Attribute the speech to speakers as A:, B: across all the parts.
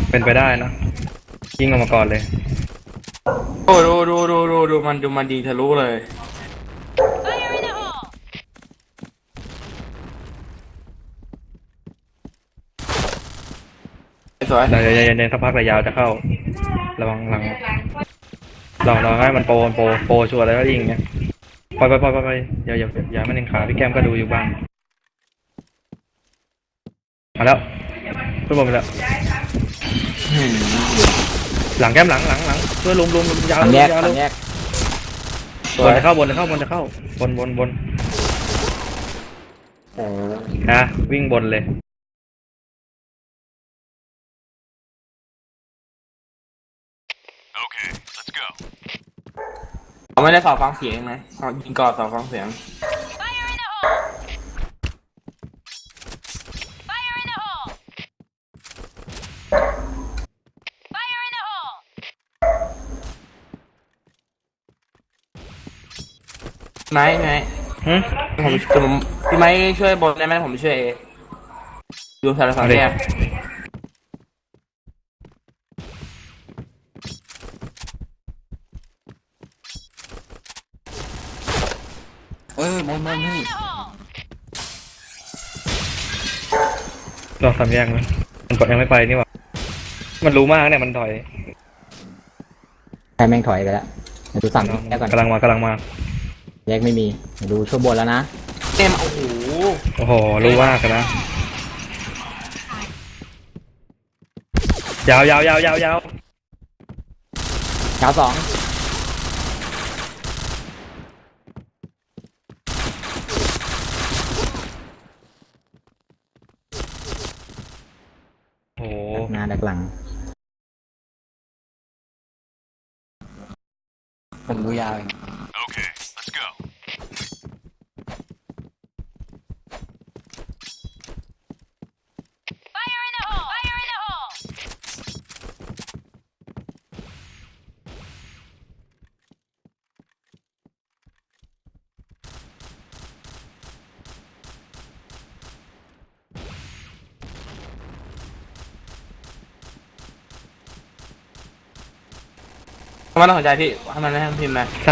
A: เป็นไปได้นะยิงออกมาก่อนเลย
B: โอ้ดูมันดีทะลุเลยสวย
A: เดี๋ยวเย็นสักพักระยาวจะเข้าระวังหลังลองให้มันโปรชัวร์แล้วก็ยิงเงี้ยไปอย่ามันเองขาพี่แก้มก็ดูอยู่บ้างมาแล้วขึ้นบนไปแล้วหลังแก้มหลังช่วยลุมยาว
C: แยก
A: ลง
C: แยก
A: บนจะเข้าบนนะวิ่งบนเลย
B: เขาไม่ได้สอบฟังเสียงนะเขายิงก่อนสอบฟังเสียงไหนผมพี่ไม้ช่วยบนได้ไหมผมช่วยดูสารสัมเนี่ย
C: มอนพี่
A: ลองทำแยกไหมมันกดยังไม่ไปนี่หว่ามันรู้มากเนี่ยมันถอย
C: ใครแม่งถอยไปแล้วดูสั่งแยกก่อน
A: กำลังมา
C: แยกไม่มีดูช่วยบนแล้วนะ
B: เต็ม
A: โอ้โหรู้มากนะยาวย
C: าวสอง
A: โอ้โห
C: หน้าดักหลังผมดูยาว
B: ทำไมต้องสนใจพี่ทำไมไม่ให้พิมพ์นะ
A: ซา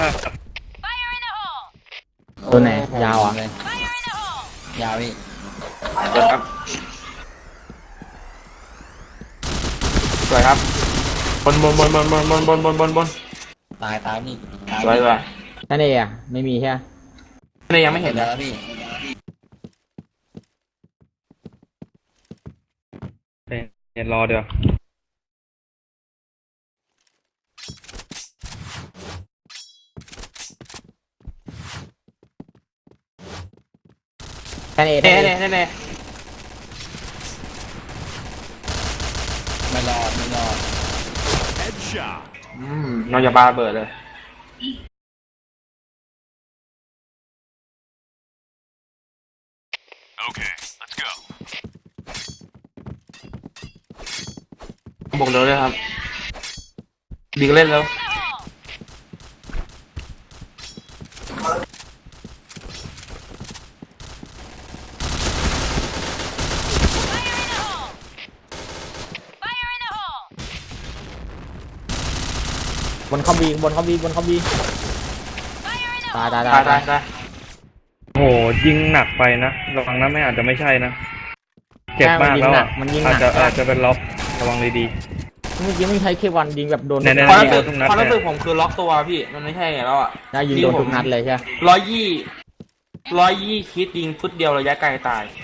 C: ตัวไหนยาวอ่ะยาวพี่
B: เดี๋ยวครับสวยครับบน
C: ตายนี่
B: สวย
C: นั่นเองอ่ะไม่มีใช่ไหม
B: นี่ยังไม่เห็น
C: แล้วพี่
A: เดี๋ยวรอเดี๋ยว
C: นั่นเอง
B: เน่
C: ไม่รอด
B: น้องอย่าบาเบิดเลยบอกเร็วเลยครับดีก็เล่นแล้ว
C: บนเขาบีตาย
A: โอ้โหยิงหนักไปนะระวังนะไม่อาจจะไม่ใช่นะเจ็บมากแล้วอาจจะเป็นล็อกระวังเลยดี
C: เมื่อกี้ไม่ใช้เควันยิงแบบโดน
B: ความรู้สึกผมคือล็อกตัวพี่มันไม่ใช่แล้วอ่ะ
C: ได้ยิงโดนทุกนัดเลยใช่
B: 120คิดยิงฟุตเดียวระยะไกลตาย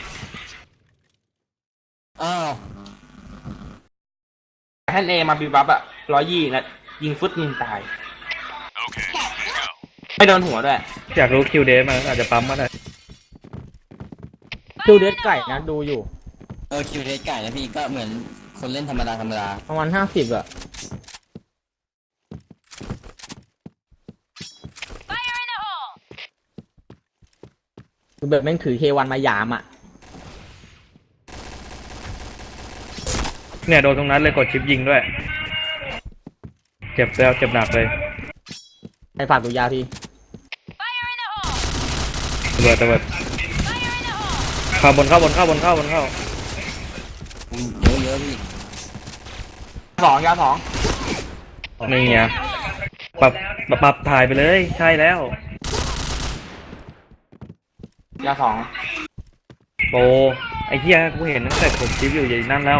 C: อ้าว
B: แท่นเอมาบีบับอะ120นะยิงฟุตนึงตายไม่โดนหัวด้วย
A: อยากรู้คิวเดสมันอาจจะปั๊มมาได้
C: คิวเดสไก่นะดูอยู่
D: คิวเทสไก่นะพี่ก็เหมือนคนเล่นธรรมดา
C: ประมาณ50อ่ะคือแบบแม่งถือเควันมายามอ่ะ
A: เนี่ยโดนตรงนั้นเลยกดชิปยิงด้วยเจ็บแล้วเจ็บหนักเลย
C: ให้ฝากดูยาพี่
A: ระเบิดเข้าบน
D: เยอะพี่
B: ยาวสอง
A: นี่ไงปรับถ่ายไปเลยใช่แล้ว
B: ยาวสอง
A: โปรไอ้เหี้ยกูเห็นตั้งแต่กดชิปอยู่อย่างนั้นแล้ว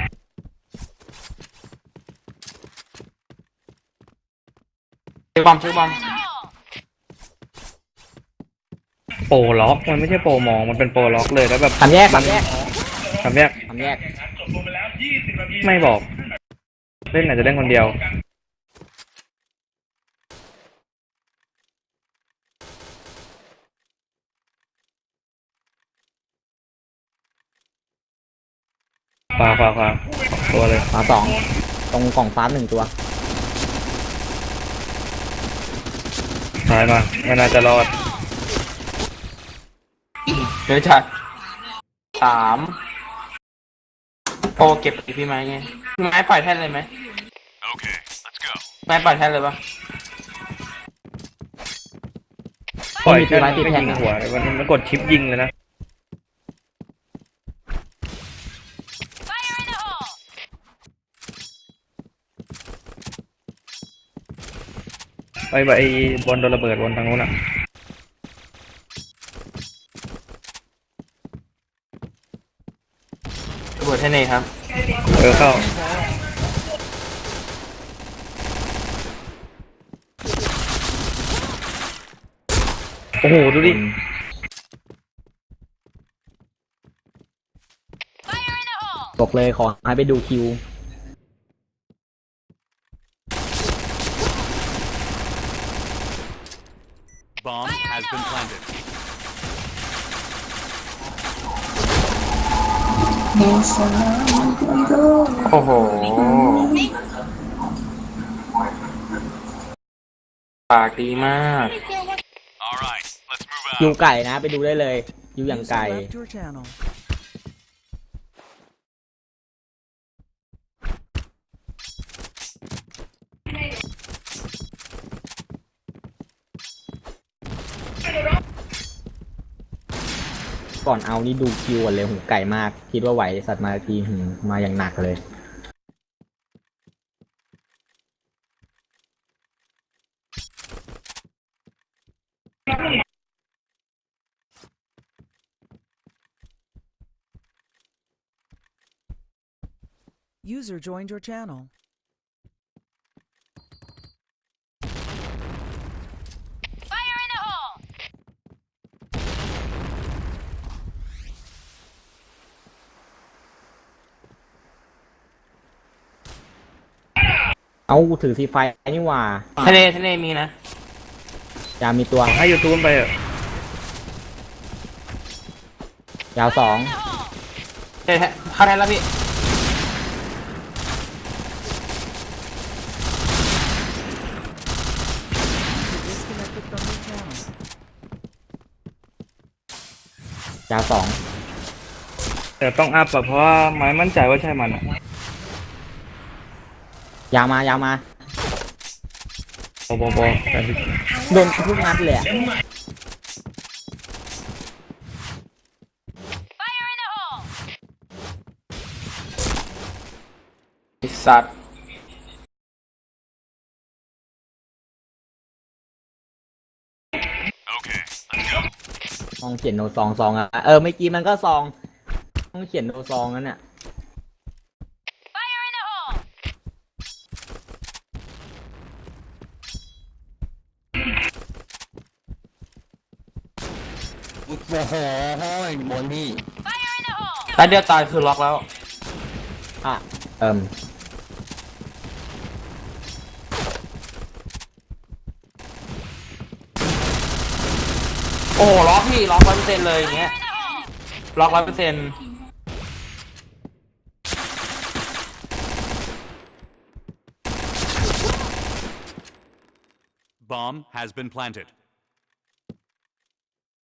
B: ซื้อบอม
A: โปรล็อกมันไม่ใช่โปรมองมันเป็นโปรล็อกเลยแล้วแบบ
C: ทำแยก
A: มันทำแยก ไม่บอก เล่นอาจจะเล่นคนเดียวขวาตัวเลย
C: ขวาสองตรงกล่องฟ้า1 ตัว
A: ซ้ายมาไม่น่าจะรอด
B: เดี๋ยวจัด3โอ้เก็บไปพี่ไม้ไงพี่ไม้ปล่อยแท่นเลยไหมไม้ปล่อยแท่นเลยปะ
A: ปล่อยแค่
C: ไม่
A: ไม่
C: มี
A: ยิงหัวมันกดชิปยิงเลยนะไปไอ้บอลโดนระเบิดบนทางนู้นอ่ะ
B: ระเบิดแท่นเองครับ
A: เข้าโอ้โหดูดิ
C: บอกเลยขอให้ไปดูคิว
E: Bomb has been planted.
B: โอ้โหปากดีมาก
E: All right, let's move
C: คิว
E: out.
C: ไก่นะไปดูได้เลยคิวอย่างไก่
F: Left your channel.
C: ก่อนเอานี่ดูคิวก่อนเลยหูไก่มาก คิดว่าไหวสัตว์มาทีมาอย่างหนักเลย
F: User joined your channel.
C: เอาถือซีไฟนี่หว่า
B: ทะเลมีนะ
C: ยาวมีตัว
A: ให้ยูทูบไปเถอะ
C: ยาว2
B: เข้าแทนแล้วพี่
F: Disconnected from your channel.
C: ยาว
A: แต่ต้องอัพอะเพราะว่าไม้มั่นใจว่าใช่มันอะ
C: 2ยาวมา
A: โบแต่ที่
C: โดนทุกนัดเลยอะ
B: ไอ้สัตว์
E: Okay, let's go.
C: ต้องเขียนโนซองอะเมื่อกี้มันก็ซองต้องเขียนโนซองนั่นน่ะ
D: โอ้โหบนพี่
B: ตาเดียวตายคือล็อกแล้ว
C: อ่ะ
B: โอ้โหล็อกพี่ล็อก100%เลยอย่างเงี้ยล็อก100%
E: Bomb has been planted.